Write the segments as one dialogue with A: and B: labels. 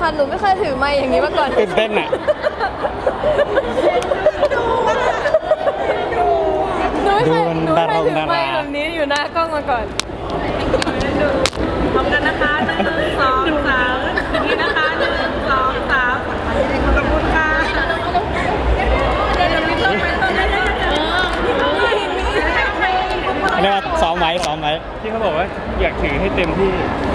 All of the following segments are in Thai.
A: ค่ะหนูไม่เคยถือไมค์อย่างนี้มาก่อน
B: ตื่นเต้นอ่ะ
A: หนูไม่เคยถือไมค์แบบนี้อยู่หน้ากล้องมาก่อน
C: พร้อมกันนะคะ1 2 3นี่นะคะ1 2 3ขอบคุณค่ะเดี๋ยวมีต้นไม้ต้นนี้
B: เรียกว่าซ้อมไว้
D: ที่เขาบอกว่าอยากถือให้เต็มที่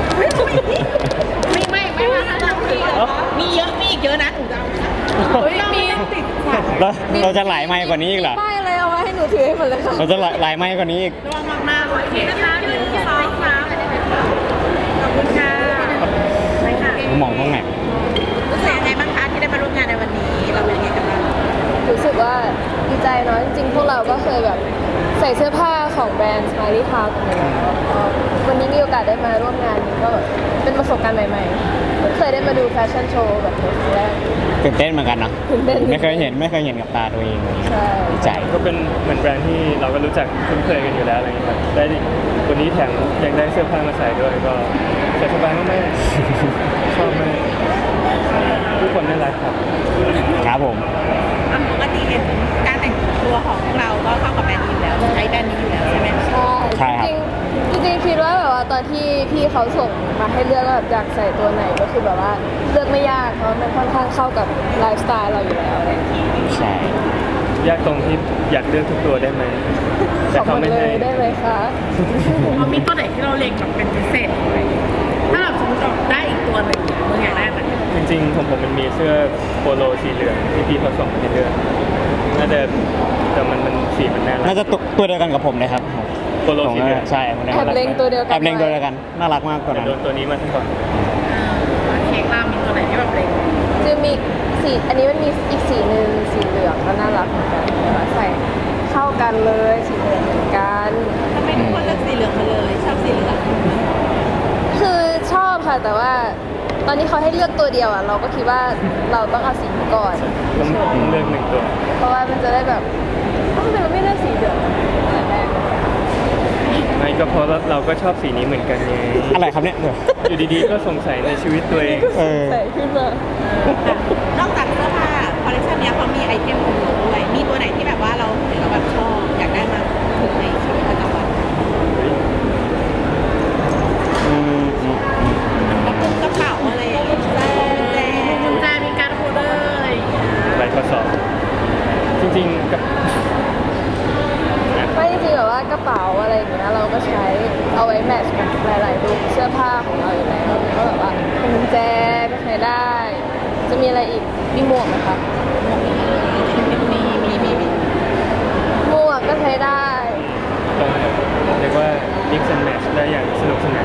C: ไม่ว่ามีเยอะมีอีกเยอะนะมี
B: เราจะหลายไมค์กว่านี้อีกเหรอ
A: ป้ายอะไรเอาไว้ให้หนูถือให้หมดเลยค่ะ
B: เราจะหลายไมค์กว่านี้อีก
C: ระวังมากๆเลยนี่นะคะ1 2 3ขอบคุณค่ะไปค่ะ
B: มองตรงไหน
C: รู้สึกยังไงบ้างคะที่ได้มาร่วมงานในวันนี้เราเป็นยังไงกันบ้าง
A: รู้สึกว่าดีใจเนาะจริงๆพวกเราก็เคยแบบใส่เสื้อผ้าของแบรนด์ Smiley House กันอยู่แล้ววันนี้มีโอกาสได้มาร่วมงานนี้ก็แบบเป็นประสบการณ์ใหม่ๆเพิ่งเคยได้มาดูแฟชั่นโชว์แบบนี้ครั้งแรก
B: ตื่นเต้นเหมือนกันเนาะ
A: ตื่นเต้น
B: ไม่เคยเห็นกับตาตัวเองเลย
A: ใช่
B: ดีใจ
D: ก็เป็นเหมือนแบรนด์ที่เราก็รู้จักคุ้นเคยกันอยู่แล้วอะไรอย่างเงี้ยครับได้วันนี้แถมยังได้เสื้อผ้ามาใส่ด้วยก็ใส่สบายมากๆชอบมากทุกคนน่ารักครับ
B: ครับผม
C: ปกติเห็นการแต่งตัวของเราก็เข้ากับแบรนด์นี้อยู่แล้วใช้แบรนด์นี้อยู่แล้วใช่ไหม
A: ใช่จริงคิดว่าแบบว่าตอนที่พี่เขาส่งมาให้เลือกว่าแบบอยากใส่ตัวไหนก็คือแบบว่าเลือกไม่ยากเพราะมันค่อนข้างเข้ากับไลฟ์สไตล์เราอยู่แล้ว
B: ใช่
D: ยากตรงที่อยากเลือกทุกตัวได้ไหม
A: แต่เขาไม่ให้ได้ไหมคะ
C: มีตัวไหนที่เราเล็งแบบเป็นพิเศษไหมถ้าแบบสมมติได้อีกตัวหนึ่งมึงอยากได้ไหม
D: จริงๆผมมันมีเสื้อโปโลสีเหลืองที่พี่เขาส่งมาให้เลือกน่าจะแต่มันสีมันน่ารัก
B: น่าจะตัวเดียวกันกับผมเลยครับ
D: โปโลสีเหลือง
B: ใช่
A: แอบเล็งตัวเดียว
B: กันน่ารักมากตัวนั้น
D: โดนตัวนี้มาทั้งก่อน
C: เค้กรามีตัวไหนที่แบบเล็ง
A: จะมีสีอันนี้มันมีอีกสีหนึ่งสีเหลืองก็น่ารักเหมือนกันแต่ว่าใส่เข้ากันเลยสีเหลืองเหมือนกัน
C: ทำไมทุกคนเลือกสีเหลืองมาเลยชอบสีเหลือง
A: คือชอบค่ะแต่ว่าตอนนี้เขาให้เลือกตัวเดียวอ่ะเราก็คิดว่าเราต้องเอาสีนี้ก่อน
D: ต้องเลือก1 ตัว
A: เพราะว่ามันจะได้แบบทำไมเราไม่เลือกสีเหลืองแต่แรก
D: ไม่ก็เพราะเราก็ชอบสีนี้เหมือนกันไง
B: อะไรครับเนี่ย
D: อยู่ดีๆก็สงสัยในชีวิตตัวเอง
A: ใส่ขึ้นมาน
C: อกจากเสื้อผ้าคอลเลคชันนี้เขามีไอเทมของเราด้วยมีตัวไหนที่แบบว่าเราเห็นเราแบบชอบอยากได้มาถึงในชีวิตประจำวันกระเป๋าอะไรอย่างเงี้ยกุญแจมีการโฮลเดอร์อะไรอย่างเงี้ย
D: ใบข้อสอบจริงๆกับ
A: ไม่จริงๆแบบว่ากระเป๋าอะไรอย่างเงี้ยเราก็ใช้เอาไว้แมทช์กับหลายๆลุคเสื้อผ้าของเราอยู่แล้วก็แบบว่ากุญแจก็ใช้ได้จะมีอะไรอีกมีหมวกไหมคะหมวกก็ใช้ได้
D: ต้องเรียกว่า mix and match ได้อย่างสนุกสนาน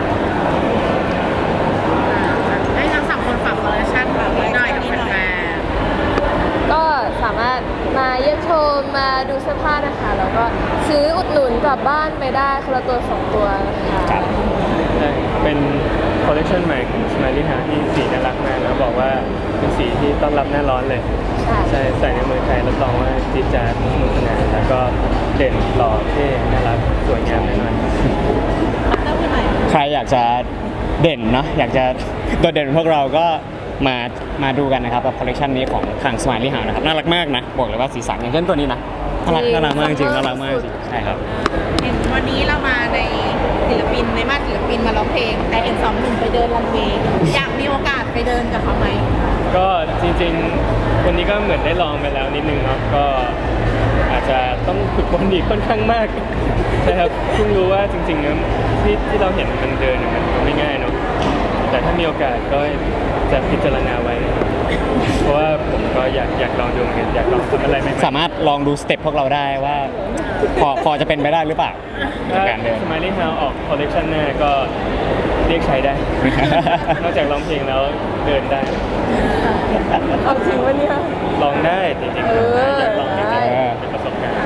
C: ให้ทั้ง3 คนฝากคอลเลคชันแบบหน่อยกับแฟน
A: ก็สามารถมาเยี่ยมชมมาดูเสื้อผ้านะคะแล้วก็ซื้ออุดหนุนกลับบ้านไปได้คนละตัว2 ตัวนะคะ
D: เป็นคอลเลคชันใหม่ของ Smiley House ที่สีน่ารักมากแล้วบอกว่าเป็นสีที่ต้อนรับหน้าร้อนเลยใช่ใส่ในเมืองไทยรับรองว่าจี๊ดจ๊าดสนุกสนานแล้วก็เด่นหล่อเท่น่ารักสวยงามแน่นอน
B: ใครอยากจะเด่นเนาะอยากจะโดดเด่นพวกเราก็มาดูกันนะครับกับคอลเลคชันนี้ของทาง Smiley House นะครับน่ารักมากนะบอกเลยว่าสีสันอย่างเช่นตัวนี้นะน่ารักมากจริงน่ารักมากจริงใช่ครับ
C: เห็นวันนี้เรามาในศิลปินในมาศิลปินมาร้องเพลงแต่เห็น2 หนุ่มไปเดินรันเวย์อยากมีโอกาสไปเดินกับเขาไหม
D: ก็จริงๆวันนี้ก็เหมือนได้ลองไปแล้วนิดนึงเนาะก็อาจจะต้องฝึกฝนอีกค่อนข้างมากใช่ครับเพิ่งรู้ว่าจริงๆแล้วที่เราเห็นมันเดินมันไม่ง่ายเนาะแต่ถ้ามีโอกาสก็จะพิจารณาไว้เพราะว่าผมก็อยากลองดูเหมือนกันอยากลองทำอะไรใหม่
B: ๆสามารถลองดูสเต็ปพวกเราได้ว่าพอจะเป็นไปได้หรือเปล่า
D: การเดิน Smiley House ออกคอลเลคชันหน้าก็เรียกใช้ได้นอกจากร้องเพลงแล้วเดินได้
A: เอาจริงวะเนี่ย
D: ลองได้จริงๆอยากลองจริงๆเป็นประสบการณ์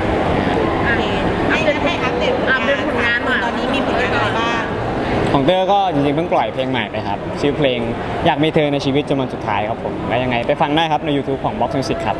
C: ให้อัปเดตผลงานหน่อยตอนนี้มีผลงานอะไรบ้าง
B: ของเตอร์ก็จริงๆเพิ่งปล่อยเพลงใหม่ไปครับชื่อเพลงอยากมีเธอในชีวิตจนวันสุดท้ายครับผมแล้วยังไงไปฟังได้ครับใน YouTube ของ Box Music ครับ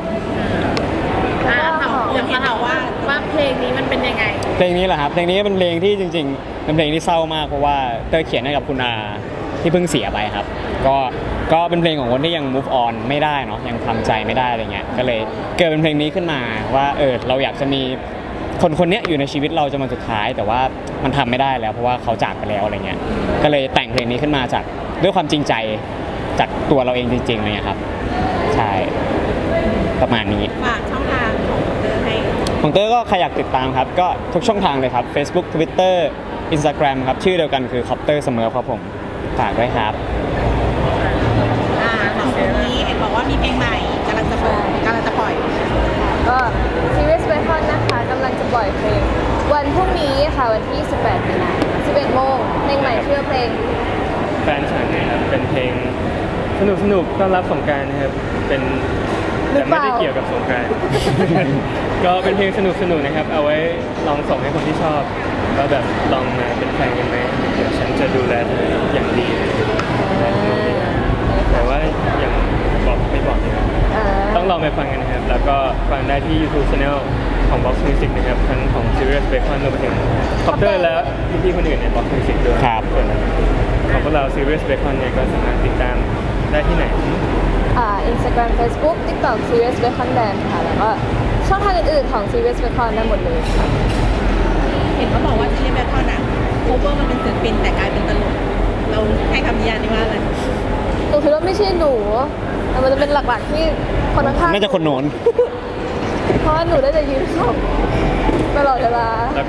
C: อยากถามว่าเพลงนี้มันเป็นยังไง
B: เพลงนี้เหรอครับเพลงนี้เป็นเพลงที่จริงๆเป็นเพลงที่เศร้ามากเพราะว่าเตอร์เขียนให้กับคุณอาที่เพิ่งเสียไปครับก็ก็เป็นเพลงของคนที่ยัง move on ไม่ได้เนาะยังทำใจไม่ได้อะไรเงี้ยก็เลยเกิดเป็นเพลงนี้ขึ้นมาว่าเราอยากจะมีคนคนนี้อยู่ในชีวิตเราจนวันสุดท้าย แต่ว่ามันทำไม่ได้แล้วเพราะว่าเขาจากไปแล้วอะไรเงี้ยก็เลยแต่งเพลงนี้ขึ้นมาจากด้วยความจริงใจจากตัวเราเองจริงๆอะไรเงี้ยครับใช่ประมาณนี้
C: ฝากช่องทางของเธอให้
B: ของเตอร์ก็ใครอยากติดตามครับก็ทุกช่องทางเลยครับ Facebook Twitter Instagram ครับชื่อเดียวกันคือ Copter เสมอครับผมฝากด้วยครับ
C: ของคนนี้เห็นบอกว่ามีเพลงใหม่กำลังจะปล่อย
A: ก็ Serious Bacon นะคะกำลังจะปล่อยเพลงวันพรุ่งนี้ค่ะวันที่ 18 มีนาคม 11 โมงเพลงใหม่ชื่อเพลง
D: แฟนฉันนะครับเป็นเพลงสนุกต้อนรับสงกรานต์นะครับเป็น
A: หรื
D: แต่
A: อเป
D: ไม่
A: ล่า
D: ได้เกี่ยวกับสงกรานต์ ก็เป็นเพลงสนุกนะครับ เอาไว้ลองส่งให้คนที่ชอบว่าแบบลองมาเป็นแฟนกันไหมเดี๋ยวฉันจะดูแลเธออย่างดีแต่ว่ายังไม่บอกนะครับ ต้องลองไปฟังกันนะครับ แล้วก็ฟังได้ที่ YouTube Channel ของ Box Music นะครับ ทั้งของ Serious Bacon รวมไปถึง Copter และพี่ๆคนอื่นใน Box Music ด้วย
B: ครับ
D: ส่วนของพวกเรา Serious Bacon เนี่ยก็สามารถติดตามได้ที่ไหน
A: Instagram Facebook TikTok Serious Bacon Band ค่ะแล้วก็ช่องทางอื่นๆของ Serious Bacon ได้หมดเลยค่ะ
C: เห็นเขาบอกว่าซีรีส์แบทเทิลอะโคเวอร์มันเป็นศิลปินแต่กลายเป็นตลกเราให้คำนิยามนี้ว่าอะไร
A: หนูคิดว่าไม่ใช่หนูแต่มันจะเป็นหลักๆที่คนข้างๆ
B: น่าจะคนโน้น
A: เพราะว่าหนูได้จะยืนขำตลอดเวลา
D: แล้ว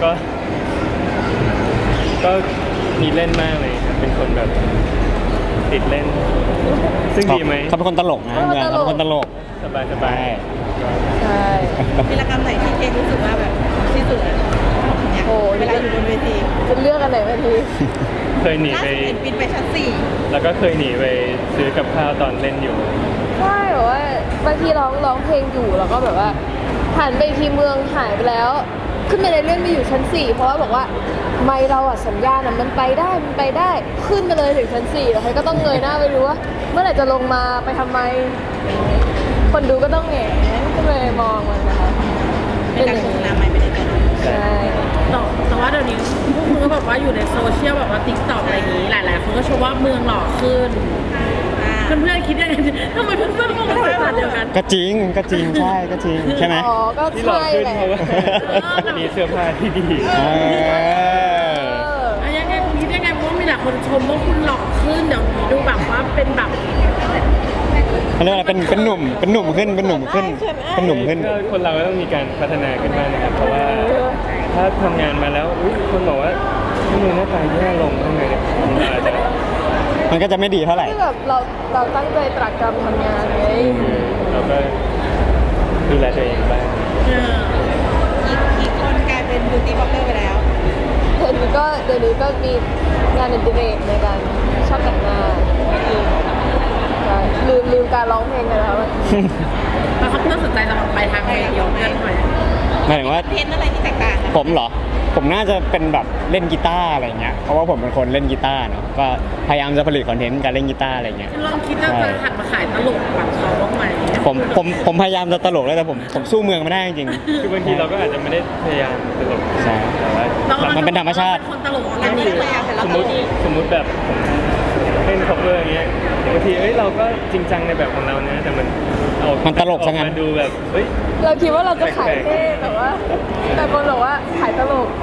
D: ก็มีเล่นมากเลยครับเป็นคนแบบติดเล่น ซึ่งดีไหม
B: เขาเป็นคนตลกนะ
A: เขาเป็นคนตลก
B: เขาเป็นคนตลก
D: สบายสบาย
A: ใช่
C: วีรกรรมไหนที่เคนรู้สึกว่าแบบที่สุดอะเนี่ย
A: โอ้ย
C: เวลาอยู่บนเวที
A: จะเลือกอันไหนมาที
D: เคยหนี
C: ล่า
D: ไป
C: สุดเห็นบินไปชั้น
D: แล้วก็เคยหนีไปซื้อกับข้าวตอนเล่นอยู่
A: ใช่แบบว่าบางทีร้องเพลงอยู่แล้วก็แบบว่าหันไปอีกทีเมืองหายไปแล้ว ขึ้นไปในเลื่อนไปอยู่ชั้น 4 เพราะว่าบอกว่าไม่เราอะสัญญาณอะมันไปได้ขึ้นไปเลยถึงชั้น 4 แล้วใครก็ต้องเงยหน้าไปดูว่าเมื่อไหร่จะลงมาไปทำไม คนดูก็ต้องแหงนขึ้นไปมองมันนะคะ
C: 4ในการโฆษณาใหม่ไม่ได้เจอ
A: ใช่
E: แต่ว่าเดี๋ยวนี้พวกมึงก็แบบว่าอยู่ในโซเชียลแบบว่าติ๊กต็อกอะไรอย่างนี้ หลายๆคนก็ชมว่าเมืองหล่อขึ้น เพื่อนๆคิดยังไงทำไมเพื่อนๆมองเป็นสายตาเดียวกัน
B: ก็จริงใช่ก็จริงใช่ไหม
A: อ๋อก็
D: ที่หล่อ
A: ใช่
D: ขึ้น
A: แหละ
D: เพราะว่ามีเสื้อผ้าที่ดี
B: เออ
E: อะยังไงคุณคิดยังไงเพราะว่ามีหลายคนชมว่าคุณหล่อขึ้นเดี๋ยวนี้ดูแบบว่าเป็นแบบ
B: เขาเรียกว่าอะไรเป็นหนุ่มขึ้นเป็นหนุ่มขึ้น
D: ก็คนเราก็ต้องมีการพัฒนาขึ้นบ้างนะครับ เพราะว่าถ้าทำงานมาแล้วอุ๊ยคนบอกว่าทำไมหน้าตาแย่ลงทำไมเนี่ยมันอาจจะ
B: มันก็จะไม่ดีเท่าไหร่
A: ที่แบบเราตั้งใจตรากตรำทำงานไง
D: เราก็ดูแลตัวเองบ้าง
C: อีกคนกลายเป็นบิวตี้บล็อกเกอร์ไปแล้ว
A: เดี๋ยวนี้ก็มีงานอดิเรกในการชอบแต่งหน้าลืมการร้องเพลงไปแล้ว
E: แล้วเขาเพื่อนสนใจจะไปทางไหนเดียวเพื่อนหน่อย
B: หมายถึงว่า
C: เทรนด์อะไรที่แตกต่างกัน
B: ผมเหรอ ผมน่าจะเป็นแบบเล่นกีตาร์อะไรเงี้ย เพราะว่าผมเป็นคนเล่นกีตาร์เนาะ ก็พยายามจะผลิตคอนเทนต์การเล่นกีตาร์อะไรเงี้ย
E: ลองคิดว่าจะหันมาขายตลกแบบเขาบ้างไหม
B: ผมพยายามจะตลกแล้วแต่ผมสู้เมืองไม่ได้จริงๆ
D: คือบางทีเราก็อาจจะไม่ได้พยายามตลก
B: ใช่
D: แต่ว่า
B: มันเป็นธรรมชาติ
E: คนตลกออร์แก
C: อัน
E: นิ
C: นี้
E: ก
C: พยายามแต่เรา
D: สม
C: ต
D: ม
C: ล
D: ติ
C: ก
D: สมมติแบบเล่น cover อย่างเงี้ยบางทีเราก็จริงจังในแบบของเรานะ แต่มัน
B: ตลกซะงั้น
D: ออมาดูแบบเฮ้ย
A: เราคิดว่าเราจะขายเท่แต่ว่าแต่คนบอกว่าขายตลก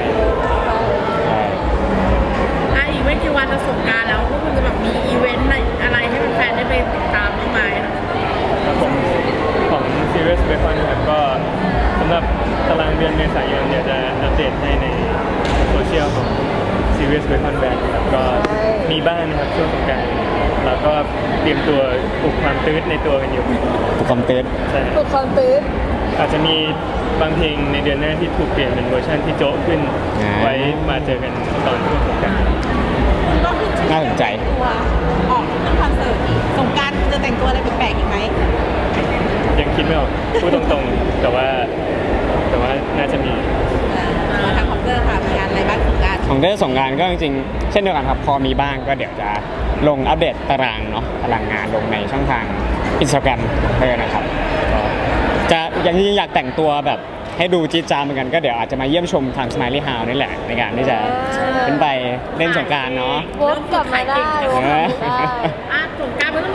E: อีกไม่กี่วันจะสงกรานต์แล้วพวกคุณจะแบบมีอีเวนต์อะไรให้แฟนๆได้ไปติดตามบ้างไหม
D: ครับผมของ Serious Bacon นะครับก็สำหรับตารางเดือนเมษายนเดี๋ยวจะอัปเดตให้ในโซเชียลของ Serious Bacon Band นะครับก็มีบ้างนะครับช่วงสงกรานต์แล้วก็เตรียมตัวปลุกความตื้นในตัวกันอยู่
B: ถูกคอมเตน
D: ใช่
A: ปลุกความตื้น
D: อาจจะมีบางเพลงในเดือนหน้าที่ถูกเปลี่ยนเป็นเวอร์ชันที่โจ๊ะขึ้น ไว้มาเจอกันตอนช่วงสงกรานต์
C: ก็ขึ้นชื่อ
B: น่าสนใจ
C: ตัวออกขึ้นคอนเสิร์ตอีกสงกรานต์จะแต่งตัวอะไรแปลกๆอีกไหม
D: ยังคิดไม่ออกพูดตรงๆ แต่ว่าน่าจะมี
C: ทางคอมเตอร์ค่ะมีงานอะไรบ้างสงกรานต์
B: ของเทศสงกรานต์ก็จริงๆเช่นเดียวกันครับ พอมีบ้างก็เดี๋ยวจะลงอัปเดตตารางเนาะตารางงานลงในช่องทาง Instagram เลยนะครับก็จะอย่างที่อยากแต่งตัวแบบให้ดูจี๊ดจ๊าดเหมือนกันก็เดี๋ยวอาจจะมาเยี่ยมชมทาง Smiley House นี่แหละในการที่จะขึ้นไปเล่นสงกรานต์เนาะ
A: วกกลับมาได้วกกลับมาได้
E: สงกรานต์ไม่ต้อง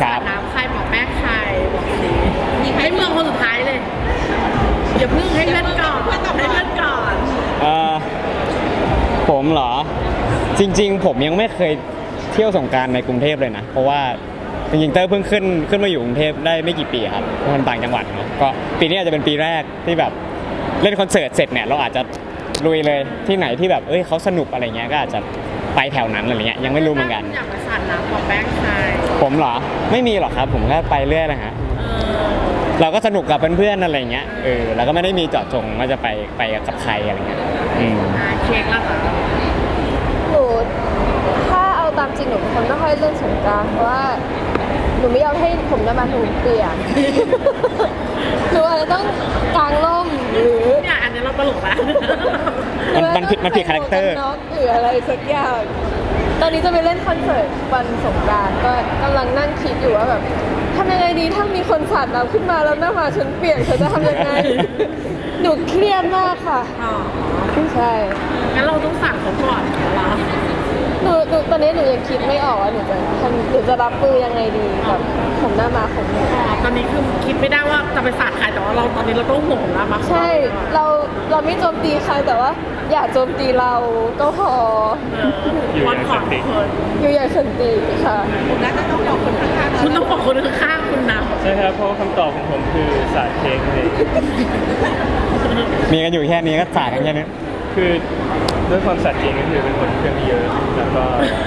B: ครั
E: สา
B: บ
E: ดน้ำใครบอกแป้งใครบอกสิให้เมืองคนสุดท้ายเลยอย่าเพิ่งให้เล่นก่อนให้เล่นก่อน
B: เอ่อผมเหรอ จริงๆ ผมยังไม่เคยเที่ยวสงกรานต์ในกรุงเทพเลยนะ เพราะว่าจริงๆเต้ยเพิ่งขึ้นมาอยู่กรุงเทพได้ไม่กี่ปีครับเพราะมันต่างจังหวัดเนาะก็ปีนี้อาจจะเป็นปีแรกที่แบบเล่นคอนเสิร์ตเสร็จเนี่ยเราอาจจะลุยเลยที่ไหนที่แบบเขาสนุกอะไรเงี้ยก็อาจจะไปแถวนั้นอะไรเงี้ยยังไม่รู้เหมือนกัน
E: อยากมาสาดน้ำบอกแป้งใคร
B: ผมเหรอไม่มีหรอกครับ ผมก็ไปเรื่อยนะฮะ
E: เออ
B: เราก็สนุกกับเพื่อนๆอะไรเงี้ยเราก็ไม่ได้มีเจาะจงว่าจะไปกับใครอะไรเงี้ย
E: เค้กละค่ะ
A: หนูถ้าเอาตามจริงหนูเป็นคนไม่ค่อยเล่นสงกรานต์เพราะว่าหนูไม่ยอมให้ผมน้ำมันหนูเปียก หนูอาจจะต้องกางร่มหรือ
E: เนี่ยอันนี้เราตลกละ
B: มันผิดคาแรคเตอร์
A: หรือหรืออะไรสักอย่าง ตอนนี้จะไปเล่นคอนเสิร์ตวันสงกรานต์ก็กำลังนั่งคิดอยู่ว่าแบบทำยังไงดีถ้ามีคนสาดน้ำขึ้นมาแล้วหน้ามาฉันเปียกฉันจะทำยังไง หนูเครียดมากค่ะ
E: อ๋อ
A: ใช่
E: งั้นเราต้องสั่งเขาก่อนเหรอ
A: หนูตอนนี้หนูยังคิดไม่ออกว่าหนูจะรับมือยังไงดีกับผมหน้ามาของหนู
E: อ๋อตอนนี้คือคิดไม่ได้ว่าจะไปสาดใครแต่ว่าเราตอนนี้เราต้องห่วงแล้วมา
A: ใช่เราไม่โจมตีใครแต่ว่า อย่าโจมตีเราก็พอ
D: อยู่
E: วั
D: อน ย่าง
E: ข
D: สั
E: อน
D: ติ
E: คน
A: อยู่อย่างสันติค่ะ
E: คุณต้องบอกคนข้างๆคุณนะ
D: ใช่ครับเพราะว่าคำตอบของผมคือสาดเค้กเลย
B: มีกันอยู่แค่นี้ก็จ่ายกันแค่นี้
D: คือด้วยความสัตย์จริงก็คือเป็นคนเครื่องเยอะแล้วก็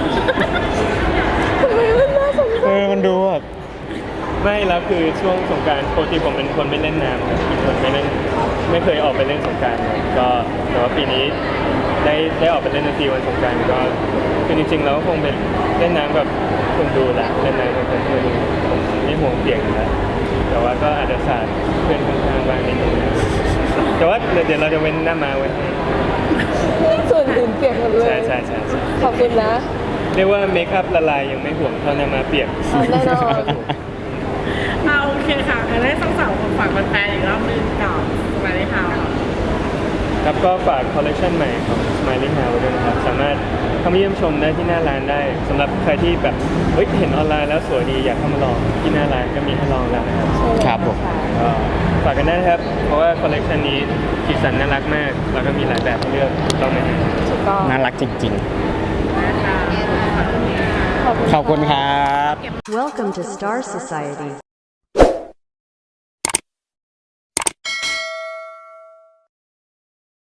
B: มันดูแบบ
D: ไม่แล้วคือช่วงสงกรารปกติผมเป็นคนไม่เล่นน้ำครับเป็นคนไม่เคยออกไปเล่นสงกรารเลยก็แต่ว่าปีนี้ได้ออกไปเล่นดนตรีวันสงกรารก็คือจริงๆแล้วคงเป็นเล่นน้ำกับคนดูแหละเล่นน้ำกับคนดูผมไม่ห่วงเปียกอยู่แล้วแต่ว่าก็อาจจะสาดเพื่อนข้างๆบ้างนิดนึงนะแต่ว่าเดี๋ยวเราจะเว้นหน้ามาไว้ให้
A: ส่วนอื่นเปียกหมดเลย
D: ใช่
A: ขอบคุณนะ
D: เรียกว่าเมคอัพละลายยังไม่ห่วงเท่าหน้ามาเปียก
A: เอาแน่นอน
E: เอาโอเคค่ะงั้นให้สาวๆคนฝากแฟนๆอีกรอบนึงกับมาในข่าว
D: ครับก็ฝากคอลเลคชันใหม่ของ Smiling House ด้วยนะครับ สามารถเข้ามาเยี่ยมชมได้ที่หน้าร้านได้สำหรับใครที่แบบเห็นออนไลน์แล้วสวยดีอยากเข้ามาลองที่หน้าร้านก็มีให้ลองแล้วนะครับ
B: ครับผม
D: ก็ฝากกันได้นะครับ เพราะว่าคอลเลคชันนี้สีสันน่ารักมาก แล้วก็มีหลายแบบให้เลือกต้องไหมครับ
A: ถูกต้อง
B: น่ารักจริง
E: นะคะ
A: ขอบคุณ
B: ๆ ขอบคุณครับ
F: Welcome to Star Society.